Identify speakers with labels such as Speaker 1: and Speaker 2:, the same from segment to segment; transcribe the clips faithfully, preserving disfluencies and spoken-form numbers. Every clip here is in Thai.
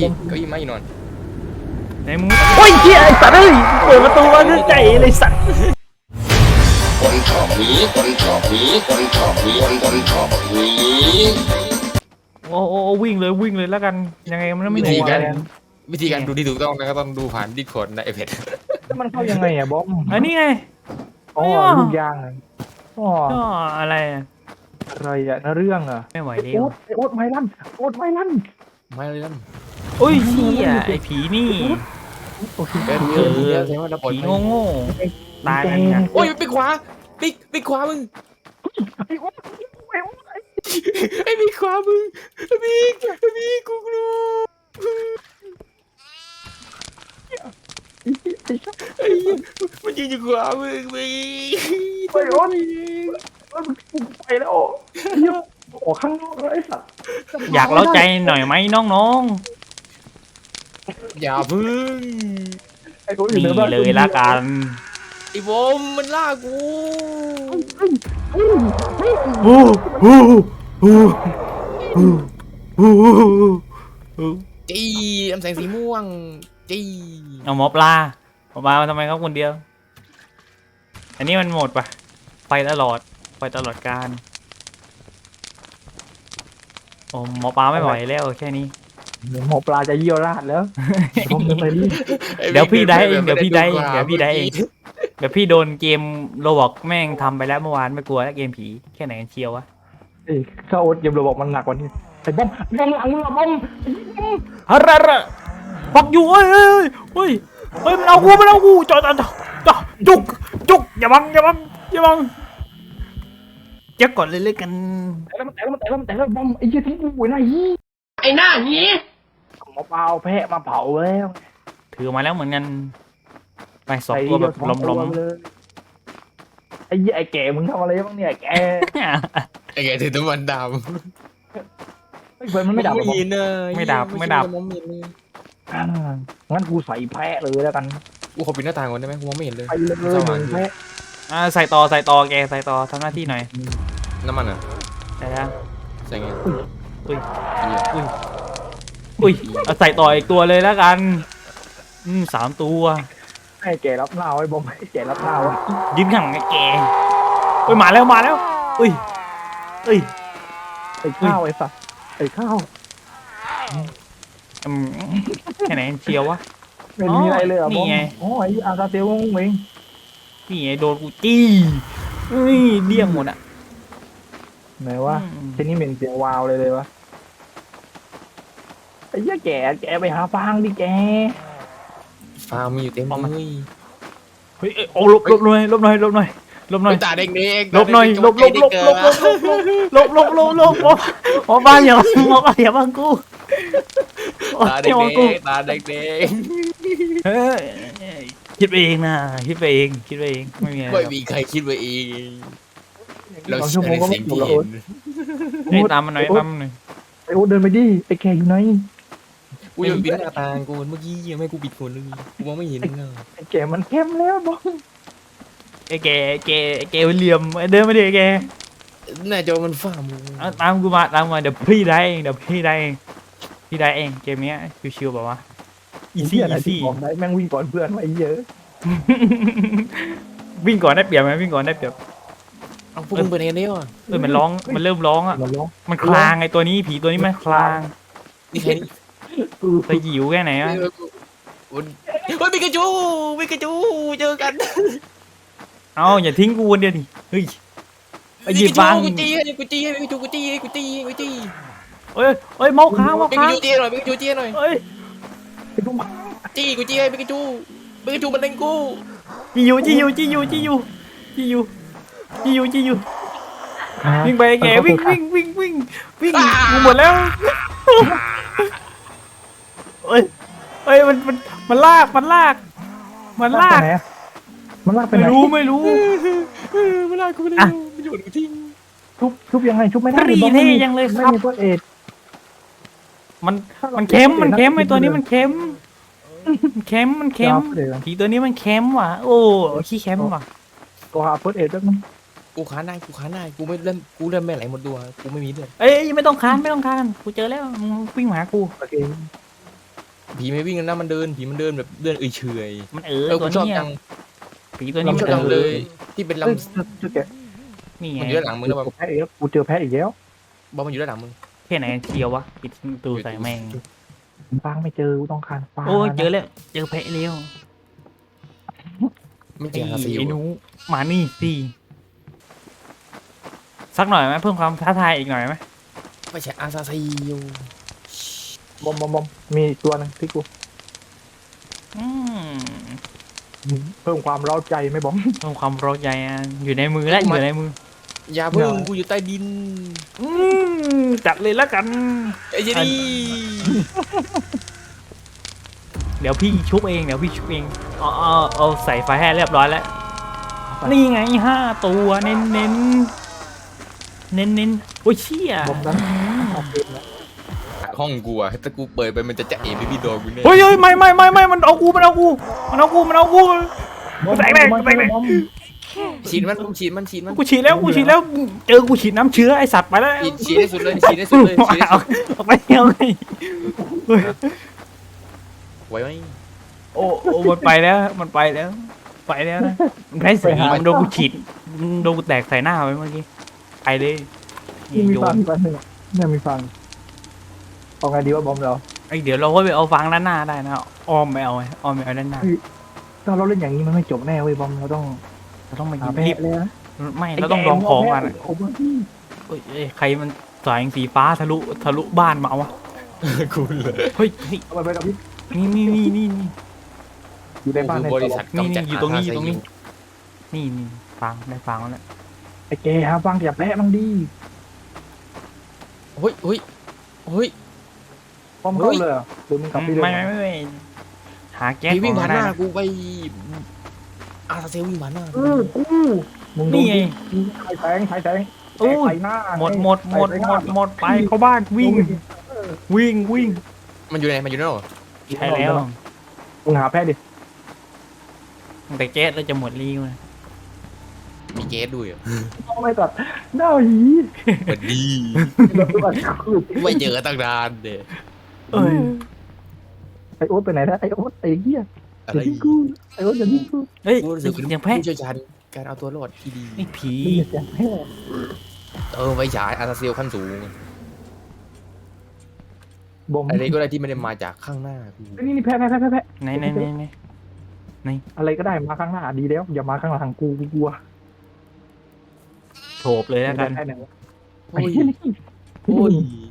Speaker 1: เก้าอี้ไม้นอน
Speaker 2: ในมึงโอ้ยเฮียไอ้สัตว์เอ้ยเปิดประตูมาด้วยใจเลยสัตว์
Speaker 1: คนชอบหนีคนชอบหนีคนชอบหนีคนคนชอบหนี
Speaker 2: โอ้โอ้วิ่งเลยวิ่งเลยแล้วกันยังไงมันไม่หนีกัน
Speaker 1: วิธีการดูที่ถูกต้องนะครับต้องดูผ่านดิสคอร์ดในไอแพด
Speaker 3: แล้วมันเข้ายังไงอะบอม
Speaker 2: อันนี้ไง
Speaker 3: อ๋อลูกยางอ๋อ
Speaker 2: อะไร
Speaker 3: อะไรอะเรื่องอะ
Speaker 2: ไม่ไหวแล้
Speaker 3: โอ๊
Speaker 2: ว
Speaker 3: ตโอ๊ตไม้ลั่นโอ๊ตไม้ลั่น
Speaker 1: ไม่เลยนั่น
Speaker 2: โอ้ยเฮียไอ้ผีนี่
Speaker 1: เออเออใช่ไหมเราปล่อย
Speaker 2: ผีโง่โง่ตายกันเนี่ย
Speaker 1: โอ้ยปิดขวาปิดปิดขวามึง
Speaker 3: ไอ้โอ๊ตไอ้โอ๊ต
Speaker 1: ไอ้ปิดขวามึงปิดปิดกูกลัวไอ้มันยืนอยู่ขวามึงปิด
Speaker 3: ไปโอ๊ตไปแล้วเยอะออกข้างนอกแล้วไอ้สัตว์
Speaker 2: อยากเล้าใจหน่อยไหมน้อง
Speaker 1: ๆอย่าพึ่ง
Speaker 2: นี่เลยละกัน
Speaker 1: ไอ้บอมมันล่ากู
Speaker 2: ฮู้ฮู้ฮู้ฮู้ฮู้
Speaker 1: จี้น้ำแสงสีม่วงจี้
Speaker 2: เอาหมอปลาหมอปลาทำไมเขาคนเดียวอันนี้มันหมดปะไปตลอดไปตลอดการโอ้หมอปลาไม่ไหวแล้วแค่นี้
Speaker 3: หมอปลาจะเยี่ยวราดแล้วผมจะไปรีบ
Speaker 2: เดี๋ยวพี่ได้เองเดี๋ยวพี่ได้เองเดี๋ยวพี่ได้เองเดี๋ยวพี่โดนเกมโรบอกแม่งทำไปแล้วเมื่อวานไม่กลัวแล้วเกมผีแค่ไหนกันเชียววะ
Speaker 3: เอ้ยข้าโอ๊ตเกมโรบอกมันหนักกว่านี้ไอ้บอมบอมหลังมึงอะบอม
Speaker 2: ฮัลโหลปักอยู่เฮ้ยเฮ้ยเฮ้ยเฮ้ยมันเอากูมันเอากูจอดจอดจอดจุกจุกอย่าบังอย่าบังอย่าบังเจ๊ก่อนเลยเลยกัน
Speaker 3: แต่แล้วมันแต่แล้วมันแต่แล้วมันแต่แล้วบอมไอ้เหี้ยทิ้งกูไว้ไหน
Speaker 1: ไอ้หน้านี้
Speaker 3: หมอปลาเอาแพะมาเผาแล้ว
Speaker 2: ถือมาแล้วเหมือนกันไปสองตัวแบบล้ม
Speaker 3: ๆไอ้เหี้ยไอ้แก่มึงทำอะไรบ้างเนี่ยแก
Speaker 1: ไอ้แกถือตะวันดำ
Speaker 3: ไอ้เฟิร์นมันไม่ดับ
Speaker 1: ไม่เนย
Speaker 2: ไม่ดับไม่ดับ
Speaker 3: งั้นกูใส่แพะเลยแล้วกัน
Speaker 1: กูขอปิดหน้าต่างก่อนได้ไหมกูมองไม่เห็นเลย
Speaker 3: ไปเลยมึงแพะ
Speaker 2: อ่าใส่ต่อใส่ต่อแกใส่ต่อทำหน้าที่หน่อย
Speaker 1: น้ำมันอ่ะ
Speaker 2: ใช่แล้ว
Speaker 1: ใส่ไง
Speaker 2: อุ้ยอุ้ยอุ้ยเอาใส่ต่ออีกตัวเลยแล้วกันอืมสามตัว
Speaker 3: ให้แกรับหน้าไว้บอมให้แกรับหน้าไว้
Speaker 2: ยืนข้างไอ้แกเฮ้ยมาแล้วมาแล้วอุ้ยอุ้ย
Speaker 3: ไอ้ข้าวไอ้สัตว์ไอ้ข้าว
Speaker 2: แค่ไหนเชียววะ
Speaker 3: ไม่มีอะไรเลยอ่ะบอม
Speaker 2: นี่ไง
Speaker 3: โอ้ยอาซาเตียวงงเอง
Speaker 2: นี่ไงโดนกูจี้เฮ้ยเดี่ยงหมดอ่ะ
Speaker 3: ไหนวะทีนี้เหม็นเสียงวาวเลยเลยวะไอ้เหี้ยแกแกไปหาฟางดิแก
Speaker 1: ฟางมีอยู่เต็มเลย
Speaker 2: เฮ้ยโอ้ลบลบหน่อยลบหน่อยลบหน่อยลบหน่อย
Speaker 1: ตาเด็ก
Speaker 2: ๆลบหน่อยลบลบลบลบลบลบลบลบลบลบหมอบ้านอย่าหมอบ้านอย่าบังกู
Speaker 1: ตาเด็กๆตาเด็ก
Speaker 2: ๆเฮ้ยคิดไปเองนะคิดไปเองคิดไปเองไม่มีอะไร
Speaker 1: ไม่มีใครคิดไปเองเรา
Speaker 3: ชั่วโมงก็ไม่ถูกแล้ว
Speaker 2: ไอ้ตามมันหน่อยตามมันหน่อย
Speaker 3: ไอ้โอ๊ตเดินไปดิไอ้แกอยู่ไหน
Speaker 1: กูยังปิดหน้าต่างกูเมื่อกี้ยังไม่กูปิดคนเลยกูมองไม่เห็นเลย
Speaker 3: ไอ้แกมันเข้มแล้วบอม
Speaker 2: ไอ้แกแกแกเหลี่ยมเดินมาดิแก
Speaker 1: หน้าจอมันฝ้ามึง
Speaker 2: ตามกูมาตามมาเดี๋ยวพี่ได้เองเดี๋ยวพี่ได้เองพี่ได้เองเกมนี้ชิวๆแบบว่าอีซี่อีซี่
Speaker 3: ได้แม่งวิ่งก่อนเพื่อนไว้เยอะ
Speaker 2: วิ่งก่อนได้เปรียบไหมวิ่งก่อนได้เปรียบ
Speaker 1: เอาพวกมึงไปไหนเนี่ย
Speaker 2: เออมันร้องมันเริ่มร้องอ่ะมันคลางไอ้ตัวนี้ผีตัวนี้มันคลาง
Speaker 1: นี่แค่นี้
Speaker 2: ไปหิวแค่ไหนอ่ะ
Speaker 1: เฮ้ยปิกาจูปิกาจูเจอกัน
Speaker 2: เอาอย่าทิ้งกูคนเดียวดิเฮ้ยไปหยิบวาง
Speaker 1: กูจี้กูจี้ปิกาจูกูจี้กูจี้กูจี้
Speaker 2: เอ้ยเอ้ยเมาค้างเมาค้าง
Speaker 1: ปิกาจูจี้หน่อยปิกาจูจี้หน่อย
Speaker 2: เอ้ย
Speaker 1: จี้กูจี้ปิกาจูปิกาจูมันเล่นกู
Speaker 2: จี้อยู่จี้อยู่จี้อยู่จี้อยู่จี้อยู่จี้อยู่จี้อยู่วิ่งไปแกวิ่งวิ่งวิ่งวิ่งวิ่งกูหมดแล้วเอ้ยเอ้ยมันมันมันลากมันลากมันลาก
Speaker 3: มันลากไปไหน
Speaker 2: ไม่รู้ไม่รู้
Speaker 1: มันลากกูไปไหนมันโยนกูทิ้ง
Speaker 3: ชุบชุบยังไงชุบไม่ได้
Speaker 2: รีเท่ยังเลยครับมันมันเค็มมันเค็มไอตัวนี้มันเค็มมันเค็มมันเค็มผีตัวนี้มันเค็มว่ะโอ้ขี้เค็มว่ะ
Speaker 3: ก็หาเฟิร์สเอ็ดแล้วมั้ง
Speaker 1: กูค้านได้กูค้านได้กูไม่เล่นกูเล่นแม่ไหลหมดตัวกูไม่มีเลือด
Speaker 2: เอ้ยไม่ต้องค้านไม่ต้องค้านกูเจอแล้วมึงวิ่งมาหากู
Speaker 3: โอเค
Speaker 4: ผีไม่วิ่งนะมันเดินผีมันเดินแบบเดินเฉย
Speaker 2: มันเอ
Speaker 4: ๆ
Speaker 2: อ
Speaker 4: เออ
Speaker 2: ตั
Speaker 4: กู
Speaker 2: ว
Speaker 4: ชอบ
Speaker 2: เนี้ย
Speaker 4: จัง
Speaker 2: ผีตัวนี้
Speaker 4: กู
Speaker 2: มัน
Speaker 4: ชอบ
Speaker 2: เอ
Speaker 4: จัง
Speaker 2: อ
Speaker 4: เลยที่เป็นล
Speaker 3: เอ้ยเจอแกะ
Speaker 2: นี่
Speaker 4: ำ
Speaker 2: ไง
Speaker 4: มันอยู่ด้านหลังมึงนะบอม
Speaker 3: แพ้อีกแล้วกูเจอแพ้อีกแล้ว
Speaker 4: บอมมันอยู่ด้านหลังมึง
Speaker 2: แค่ไหนเชียววะปิดประตูใส่แม่ง
Speaker 3: ฟางไม่เจอกูต้องการฟาง
Speaker 2: โอ้ยเจอแล้วเจอแพะเลี้ยว
Speaker 4: ไม่เจ
Speaker 2: ไอ้
Speaker 4: ออาซิล
Speaker 2: ไอ้หนูมานี่สิสักหน่อยไหมเพิ่มความท้าทายอีกหน่อยไหม
Speaker 4: ไม่ใช่อาซาซิล
Speaker 3: บอมบอมบอมมีอีกตัวหนึงที่กู
Speaker 2: อืม
Speaker 3: เพิ่มความเร้าใจไหมบอม
Speaker 2: เพิ่มความร้อนใจอ่ะอยู่ในมือแล้วอยู่ในมือ
Speaker 4: อย่าเพิ่ง
Speaker 3: อย่า
Speaker 4: กูอยู่ใต้ดิน
Speaker 2: อืมจัดเลยแล้วกัน
Speaker 4: ไอ้เจนี่
Speaker 2: เดี๋ยวพี่ชุบเองเดี๋ยวพี่ชุบเองเอาเอาเอาใส่ไฟให้เรียบร้อยแล้ว นี่ไงห้าตัวเน้นเน้นเน้นเน้นๆโอ้ยเชี่ย
Speaker 3: บอมนั้นเอาเกมแล้ว
Speaker 4: ห้องกูอะถ้ากูเปิดไปมันจะจะเอ๋พี่พี่โดนกูแน่
Speaker 2: เฮ้ยเฮ้ยไม่ไม่ไม่ไม่มันเอากูมันเอากูมันเอากูมันเอากู แตกแตกแตกแตก
Speaker 3: บอม
Speaker 4: ฉีดมันฉีดมันฉีดมัน
Speaker 2: กูฉีดแล้วกูฉีดแล้วเจอกูฉีดน้ำเชื้อไอสัตว์ไปแล้ว
Speaker 4: ฉีดฉีดให้สุดเลยฉีดให้สุดเลยฉีดให้
Speaker 2: เอา
Speaker 4: สุด
Speaker 2: เอาไปเอาไปเฮ้ย
Speaker 4: ไว้ไหม
Speaker 2: โอ้โอ้มันไปแล้วมันไปแล้ว ไปแล้วนะมันได้สีมันโดนกูฉีดมันโดนกูแตกใส่หน้าไปเมื่อกี้ไปเลย
Speaker 3: นี่มี
Speaker 2: โย
Speaker 3: ฟัง
Speaker 2: น
Speaker 3: มีฟังหนึ่งอะเนี่ยมีฟังเอาไงดีว่าบอมเรา
Speaker 2: ไอยเดี๋ยวเราก็ไปเอาฟังด้านหน้าได้นะอ้อมไม่เอาไว้อ้อมไม่เอาด้านหน้า
Speaker 3: ถ้าเราเล่นอย่างนี้มันไม่จบแน่เว้ยบอมเราต้อง
Speaker 2: เราต้องมา
Speaker 3: หา
Speaker 2: ยิง
Speaker 3: แพ้
Speaker 2: รีบ
Speaker 3: เลยนะ
Speaker 2: ไม่เราต้องลองของกัน
Speaker 3: โอ้โหพี่
Speaker 2: เอ้ยเอ้ยใครมันสายสีฟ้าทะลุทะลุบ้านมาเอาวะ
Speaker 4: กูเลย
Speaker 2: เฮ้ยเฮ้ย
Speaker 3: เอาไปไปกับพี่
Speaker 2: นี่นี่นี่นี่นี่
Speaker 3: อยู่ในบ้านใน
Speaker 4: บริษัท
Speaker 2: นี่
Speaker 4: กำจัด
Speaker 2: นี่อยู่ตรงนี้
Speaker 4: า
Speaker 2: อยู่ตรงนี้
Speaker 4: ซาซิล
Speaker 2: นี่นี่ฟังได้ฟังแล้ว
Speaker 3: ไอ้แกหาฟังอย่าแพ้มั่งดี
Speaker 4: เฮ้ยเฮ้ยเฮ้ย
Speaker 3: บอมเข้าเลยเหรอหรือมึงกลับไปเลย
Speaker 2: ไม่ไม่ไม่ไม่หาแก๊ส
Speaker 4: พี่
Speaker 2: ข
Speaker 4: วิ่
Speaker 2: องง
Speaker 4: ผ่าน
Speaker 2: ได้
Speaker 4: หน้า
Speaker 2: นะ
Speaker 4: กูไปอาซาซิลวิ่งผ่านหน้า
Speaker 3: เออกูมึงโด
Speaker 2: นี่
Speaker 3: น
Speaker 2: ไง
Speaker 3: ใครแสงใครแสง
Speaker 2: อู้
Speaker 3: ใส่หน้า
Speaker 2: หมดหมดหมด
Speaker 3: ใส่
Speaker 2: หม
Speaker 3: น้า
Speaker 2: ดหมดไปเข้าบ้านวิ่งวิ่งวิ่ง
Speaker 4: มันอยู่ไหนมันอยู่นั่นเหรอ
Speaker 2: ใช่แล้ว
Speaker 3: มึงหาแพ้ดิ
Speaker 2: แต่แก๊สเราจะหมดรีวนะ
Speaker 4: มีเกสด้วยเหรอ
Speaker 3: เอาไม่ตัดหน้าหี
Speaker 4: สวัสดี
Speaker 3: เราตัวคือ
Speaker 4: ไม่เจอตั้งนานเด้
Speaker 2: เอ้ย
Speaker 3: ไอโอ๊ตไปไหนนะไอโอ๊ตไอ้เหี้ย
Speaker 4: อะไร
Speaker 3: อย่าทิ้งกูไอโอ๊ตอย่าทิ้งกู
Speaker 2: เฮ้ย
Speaker 4: กูรู้สึ
Speaker 2: ได้
Speaker 4: ก
Speaker 2: ยิ
Speaker 4: เป็น น
Speaker 2: เสียงแพะ
Speaker 4: ผู้เชี่ยวชาญการเอาตัวรอดที่ดี
Speaker 2: ไอ้ผี
Speaker 3: นี่อย่าแพ้
Speaker 4: เออไฟฉายอาซาซิลขั้นสูง
Speaker 3: บอม
Speaker 4: อะไรก็ได้ที่ไม่ได้มาจากข้างหน้ากู
Speaker 3: นี่นี่แพ้แพ้แพ้แพ้แพ้
Speaker 2: ไหนไหนไหนไหน
Speaker 3: อะไรก็ได้มาข้างหน้าดีแล้วอย่ามาข้างหลังกูกูกลัว
Speaker 2: โฉบเลยแล้วกัน
Speaker 3: แพ้ไหนไอ้
Speaker 4: โอ้ย
Speaker 3: เหี้ยนี่
Speaker 4: โอ้ย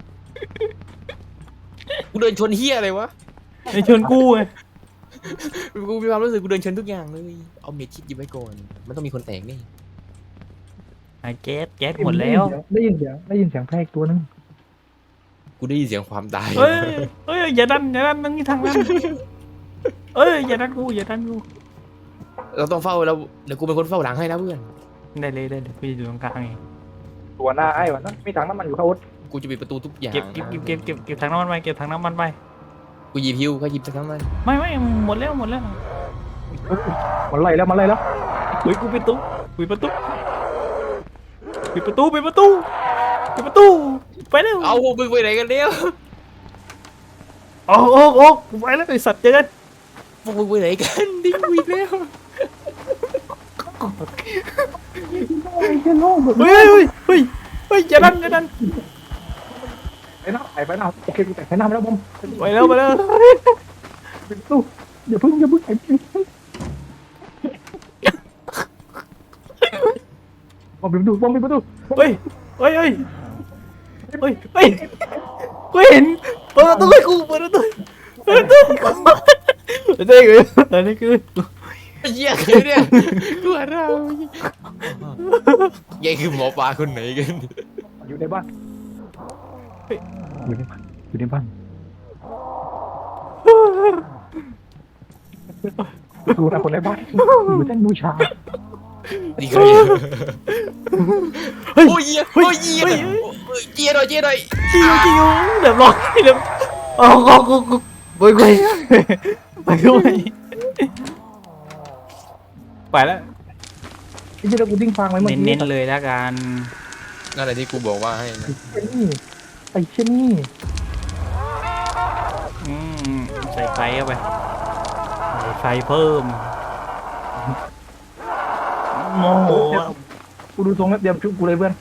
Speaker 4: กูเดินชนเฮียอะไรวะ
Speaker 2: ไอ้ชวนกู้ไง
Speaker 4: กูมีความรู้สึกกูเดินชนทุกอย่างเลยเอาเมจิตหยิบไว้ก่อนมันต้องมีคนแตกนี่
Speaker 2: ไอ้แก๊สแก๊สหมดแล้ว
Speaker 3: ได้ยินเสียงได้ยินเสียงแพ้อีกตัวนึง
Speaker 4: กูได้ยินเสียงความตาย
Speaker 2: เฮ้ยเฮ้ยอย่าดันอย่าดันนั่งที่ทางนั้นเอ้ยอย่าดันกูอย่าดันกู
Speaker 4: เราต้องเฝ้าแล้วเดี๋ยวกูเป็นคนเฝ้าหลังให้นะเพื่อน
Speaker 2: ได้เลยได้เลยพี่อยู่ตรงกลางเอง
Speaker 3: ตัวหน้าไอ้วะนะมีถังน้ำมันอยู่ข้างโอ๊ต
Speaker 4: กูจะปิดประตูทุกอย่าง
Speaker 2: เก็บเก็บเก็บเก็บเก็บเก็บถังน้ำมันไปเก็บถังน้ำมันไป
Speaker 4: กูหยิบฮิวก็หยิบสักครั้งมัน
Speaker 2: ไม่ไม่หมดแล้วหมดแล้ว
Speaker 3: มันไล่แล้วมันไล่แล้ว
Speaker 2: เฮ้ยกูปิดประตูปิดประตูปิดประตูปิดประตูปิดประตูไปเร็ว
Speaker 4: เอาพวกมึงไปไหนกันเนี่ย
Speaker 2: โอ้โอ้โอ้กูไปแล้วไอสัตว์เจอกัน
Speaker 4: พวกมึงไปไหนกันดิ้งวีแล้ว
Speaker 3: ไอ้เหี้ยโล่งหมด
Speaker 2: เฮ้ยเฮ้ยเฮ้ยเฮ้ยอย่าดันอย่าดัน
Speaker 3: ไอ้หน้าไอ้ไปหน้าโอเคกูแตะไอ้หน้าไปแล้วบอม
Speaker 2: ไปแล้วไปแล้ว
Speaker 3: ปิดตู้อย่าพึ่งอย่าพึ่งไอ้บอมปิดประตูบอมปิดประตู
Speaker 2: เฮ้ยเฮ้ยเฮ้ยเฮ้ยเฮ้ยกูเห็นเปิดประตูให้กูเปิดประตูเปิดประตูนี่คืออันนี้คือ
Speaker 4: เหี้ยคือเนี่ยกูว่าเรายัยคือหมอปลาคนไหนกัน
Speaker 3: อยู่ในบ้านอยู่ในบ้านอยู่ในบ้านดูนะคนในบ้านอยู่เส้นบูชา
Speaker 4: นี่คือโอ้ยโอ้ยเจี๊ยเจี๊ยหน่อยเจี๊ยหน่อย
Speaker 2: จิวจิวเดี๋ยวรอเดี๋ยวอ๋อกูกูกูไปไปไปด้วยไปแล้ว
Speaker 3: ไอ้เจ้ากูดิ้งฟังไว้เมื่อกี้
Speaker 2: เน้นๆเลยแล้วกัน
Speaker 4: นั่นแหละที่กูบอกว่าให้นะ
Speaker 3: ไอ้เช่นนี่ไอ้เช่นนี่
Speaker 2: อืมใส่ไฟเข้าไปใส่ไฟเพิ่มโมโห
Speaker 3: กูดูทรงแล้วเตรียมชุบกูเลยเพื่อน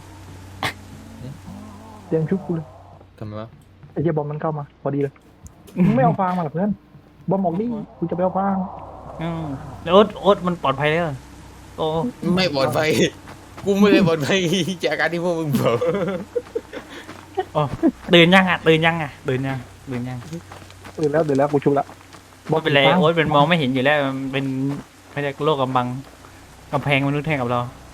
Speaker 3: เตรียมชุบกูเลย
Speaker 4: ทำไมวะ
Speaker 3: ไอ้เจ้าบอมมันเข้ามาพอดีเลยมึงไม่เอาฟางมาหรอเพื่อนบอมออกนี่กูจะไปเอาฟาง
Speaker 2: อืมแล้วโอ๊ตโอ๊ตมันปลอดภัยแล้วโอ้
Speaker 4: ไม่ปลอดภัยกูไม่ได้ปลอดภัยจากการที่พวกมึงบอก
Speaker 2: โอ้ตื่นยังอ่ะตื่นยังอ่ะตื่นยังตื่นยัง
Speaker 3: ตื่นแล้วตื่นแล้วกูชุบละ
Speaker 2: ไม่เป็นไรโอ๊ตเป็นมองไม่เห็นอยู่แล้วมันเป็นไม่ได้โลกกำบังกำแพงมนุษย์แทงกับเรา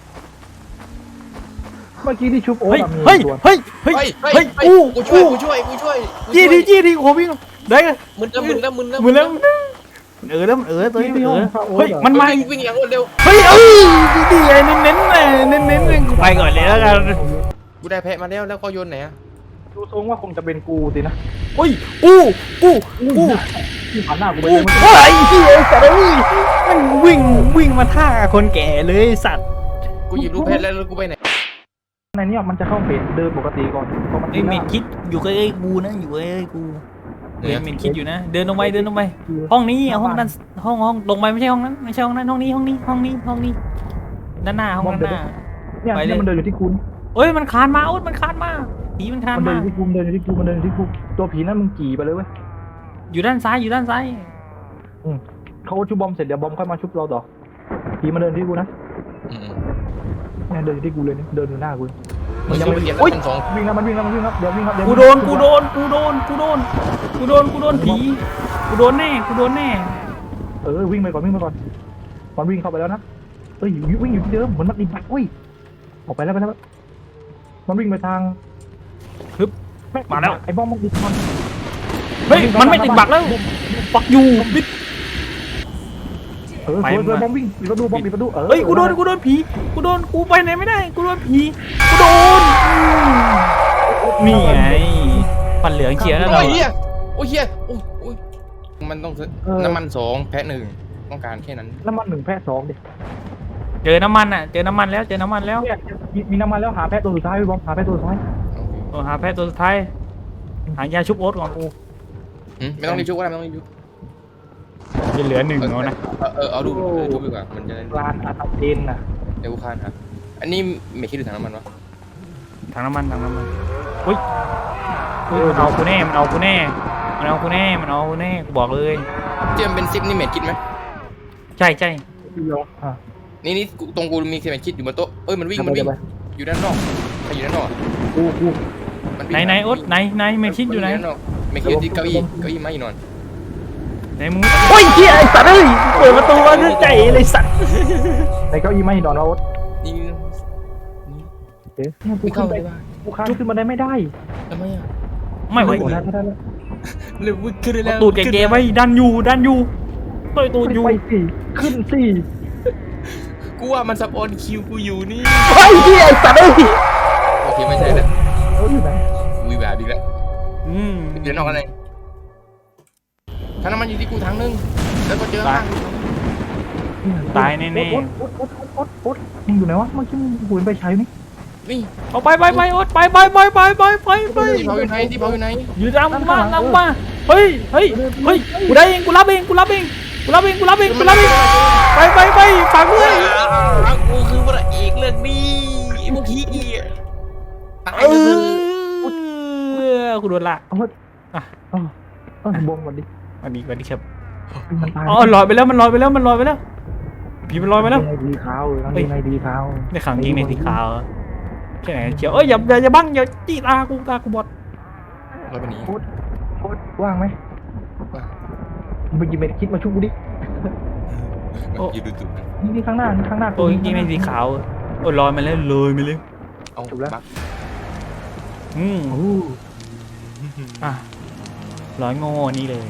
Speaker 3: เมื่อกี้ที่ชุบโอ๊
Speaker 2: เฮ้
Speaker 3: ต
Speaker 2: ย
Speaker 3: มี
Speaker 2: เฮ้ย
Speaker 3: ตัว
Speaker 2: เฮ้ยเฮ้ย
Speaker 4: เฮ้ย
Speaker 2: เฮ้ย
Speaker 4: เฮ้ย
Speaker 2: อู้
Speaker 4: กูช่วย
Speaker 2: อู้
Speaker 4: กูช่วยกูช่วยกูช่วย
Speaker 2: จี้ดีจี้ดีโอ้วิ่งได้ไง
Speaker 4: มึนแล้วมึนแล้วมึนแล้ว
Speaker 2: มือแล้วเออแล้วเออตัวนี้เออเฮ้ยมันมา
Speaker 4: วิ่งวิ่งอย่างรวดเร็ว
Speaker 2: เฮ้ยเอ้ยดีเลยเน้นเน้นเลยเน้นเน้นเลยไปก่อนเลยแล้วกัน
Speaker 4: กูได้แพะมาแล้วแล้วก็โยนไหนอะ
Speaker 3: ดูทรงว่าคงจะเป็นกูสินะ
Speaker 2: เฮ้ยอู้อู้อู้
Speaker 3: ที่ผ่านหน้ากูไป
Speaker 2: อู้
Speaker 3: เลย
Speaker 2: เฮ้ยเฮียสัตว์เอ้ยมันวิ่งวิ่งมาท่าคนแก่เลยสัตว์
Speaker 4: กูหยิบลูกแพะแล้วแล้วกูไปไหน
Speaker 3: ในนี้มันจะเข้าเพจเดินปกติก่อนพอมัน
Speaker 2: ไอ้เมดคิดอยู่กับไอ้กูนะอยู่กับไอ้กูเดินเมดคิดอยู่นะเดินลงไปเดินลงไปห้องนี้ห้องนั้นห้องห้องลงไปไม่ใช่ห้องนั้นไม่ใช่ห้องนั้นห้องนี้ห้องนี้ห้องนี้ห้องนี้ด้านหน้าห้องด้านหน้า
Speaker 3: เนี่ย
Speaker 2: ไปเลย
Speaker 3: เนี่ยมันเดินอยู่ที่คุณ
Speaker 2: เอ้ยมันคานมาโอ๊ตมันคานมาผีมันคาน
Speaker 3: มันเดิ
Speaker 2: มาน
Speaker 3: อยู่ที่กูมันเดินอยู่ที่กูมันเดินอยู่ที่กูตัวผีนั่นมึงกี่ไปเลยเว้ย
Speaker 2: อยู่ด้านซ้ายอยู่ด้านซ้าย
Speaker 3: เขาชุบบอมเสร็จเดี๋ยวบอมค่อยมาชุบเราต่อผีมาเดินที่กูนะ
Speaker 4: อืม
Speaker 3: เนี่ยเดินอยู่ที่กูเลยเนี่ยเดินอยู่หน้ากูเลย
Speaker 4: มึงยังไม่เปลี่ยน
Speaker 2: โอ๊ย
Speaker 4: ชั้นสอง
Speaker 3: วิ่งแล้วมันวิ่งแล้วมันวิ่งแล้วเดี๋ยววิ่งครับเดี๋ยว
Speaker 2: กูโดนกูโดนกูโดนกูโดนกูโดนกูโดนผีกูโดนแน่กูโดนแน่
Speaker 3: เออวิ่งไปก่อนวิ่งไปก่อนมันวิ่งเข้าไปแล้วนะเอ้ยวิ่งอยู่ที่เดิมเหมือนมันติดบักอุ้ยออกไปแล้วไปแล้วมันวิ่งไปทาง
Speaker 2: ฮึบ
Speaker 3: แม่ง
Speaker 2: มาแล้ว
Speaker 3: ไอ้บอมมันติดมัน
Speaker 2: เฮ้ยมันไม่ติดบักแล้วปักอยู่ปิด
Speaker 3: เออ
Speaker 2: ไป
Speaker 3: สวยสวย
Speaker 2: มา
Speaker 3: บอมวิ่งปิดประตูบอมปิดประตูเออ
Speaker 2: เฮ้ยกูโดนกูโดนผีกูโดนกูไปไหนไม่ได้กูโดนผีกูโดนนี่ไงปันเหลืองเชียร์แล้ว
Speaker 4: โอ้
Speaker 2: เรา
Speaker 4: ยเฮียโอ้ยเฮียโอ้ยโอ้ยมันต้องซื้อน้ำมันสองแพะหนึ่งต้องการแค่นั้น
Speaker 3: น้ำมันหนึ่งแพะสองดิ
Speaker 2: เจอน้ำมันอ่ะเจอน้ำมันแล้วเจอน้ำมันแล้ว
Speaker 3: เนี่ยมีมีน้ำมันแล้วหาแพะตัวสุดท้ายพี่บอมหาแพะตัวสุดท้าย
Speaker 2: โอ้หาแพทย์ตัวสุดท้ายหายาชุบโอ๊ตก่อนกู
Speaker 4: อืมไม่ต้องรีบชุบก็ได้ไม่ต้องรีบชุบ
Speaker 2: จะเหลือหนึ่งเอานะ
Speaker 4: เออเออเอาดูเออชุบดีกว่ามันจะได้
Speaker 3: ลานอาตาเจนน่ะ
Speaker 4: เดี๋ยวกูคานครับอันนี้ไม่คิดถึงถังน้ำมันวะ
Speaker 2: ถังน้ำมันถังน้ำมันอุ้ยอุ้ยมันเอากูแน่มันเอากูแน่มันเอากูแน่มันเอากูแน่กูบอกเลย
Speaker 4: เจมเป็นซิปนี่เม็ดคิดไหม
Speaker 2: ใช่ใช่
Speaker 3: พี่โยอ่ะ
Speaker 4: นี่นี่กูตรงกูมีเม็ดคิดอยู่บนโต๊ะเอ้ยมันวิ่งมันวิ่ง
Speaker 3: ไป
Speaker 4: อยู่ด้านนอกใครอยู่ด้านนอก
Speaker 3: กูกู
Speaker 4: มันวิ่ง
Speaker 2: ไหนไหนโอ๊ตไหนไหนเมคิดอยู่ไหน
Speaker 4: ด้านนอกไม่คิดที่เก้าอี้เก้าอี้ไม้นอน
Speaker 2: ไหนมึงโอ้ยเฮียไอ้สัตว์เอ้ยเปิดประตูมาด้วยใจเลยสัตว์
Speaker 3: ในเก้าอี้ไม่นอนแล้ว
Speaker 4: นี่
Speaker 3: เอ๊ะเนี่ยกู
Speaker 4: ไม่
Speaker 3: ขึ้
Speaker 4: เข้าน
Speaker 3: ไป
Speaker 4: ไปบ้าง
Speaker 3: กูค้างขึ้นมาได้ไม่ได้
Speaker 4: ทำไมอ่ะ
Speaker 2: ไม่ไหว
Speaker 3: โอ้ได้ไม่ได้แล้ว
Speaker 4: เลยวิ่งขึ้นได้แล้ว
Speaker 2: ตูดแกๆไว้ดันอยู่ดันอยู่ต่อยตูดอยู่
Speaker 3: ไปสิขึ้นสิ
Speaker 4: กูว่ามันซับออนคิวกูอยู่นี่
Speaker 2: เฮ้ยเฮียไอ้สัตว์เอ้ย
Speaker 4: โอเคไม่ใช่แล้ว
Speaker 3: เอออยู่ไหน
Speaker 4: วีแบบอีกแล้ว
Speaker 2: อืม
Speaker 4: เดี๋ยวนอกอะไรถ้าน้ำมันอยู่ที่กูถังนึงแล้วก็เจอข้าง
Speaker 2: ตายแน่
Speaker 3: โอ๊ตโอ๊ตโอ๊ตโอ๊ตโอ๊ตมึงอยู่ไหนวะเมื่อกี้มึงหุนไปใช้นี่
Speaker 4: นี่
Speaker 2: ๆเอาไปไปไปโอ๊ตไปไปไปไปไปไปไป
Speaker 4: ที่เผาอยู่ไหนที่เผาอยู่ไหน
Speaker 2: อยู่ตามกูมาตามกูมาเฮ้ยเฮ้ยเฮ้ยกูได้เองกูรับเองกูรับเองกูรับเองกูรับเองกูรับเองไปไปไปฝากด้วย
Speaker 4: กูคือพระเอกเรื่องนี้พวกขี้ตาย
Speaker 2: เอ
Speaker 4: เลย
Speaker 2: อกูโดนละ
Speaker 3: เอาเฮ้ยอ่ะเออเออบอมก่อนดิ
Speaker 2: วันนี้วันนี้ครับ
Speaker 3: มันตาย
Speaker 2: อ๋อลอยไปแล้วมันลอยไปแล้วมันลอยไปแล้วผีมันลอยไปแล้ว
Speaker 3: ในดีขาวทั้งดีในดีขาว
Speaker 2: ในขังยิงในสีขาวใช่ไหมเชียวเอ้ยอย่าอย่าอย่าบังอย่าจี้ตากูตากูบอด
Speaker 4: เราไปหนี
Speaker 3: โอ๊ตโอ๊ตว่างไหมมึงไปกินเม็ดคิดมาชุบกูดิ
Speaker 4: ยืดดูจุด
Speaker 3: นี่นี่ข้างหน้านี่ข้างหน้า
Speaker 2: โอ้ยยิงในสีขาวโอ้ยลอยมาแล้วเลยมาเลย
Speaker 4: เอาบัก
Speaker 2: อืม
Speaker 3: โอ้
Speaker 2: อ่ะร้อยโง่นี่เลย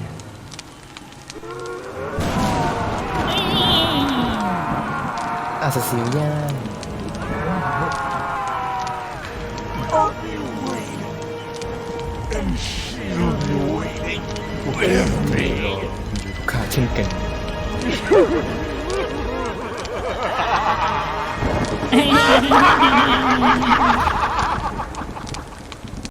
Speaker 4: อาสสิวย่างขาเช่นกัน
Speaker 2: เ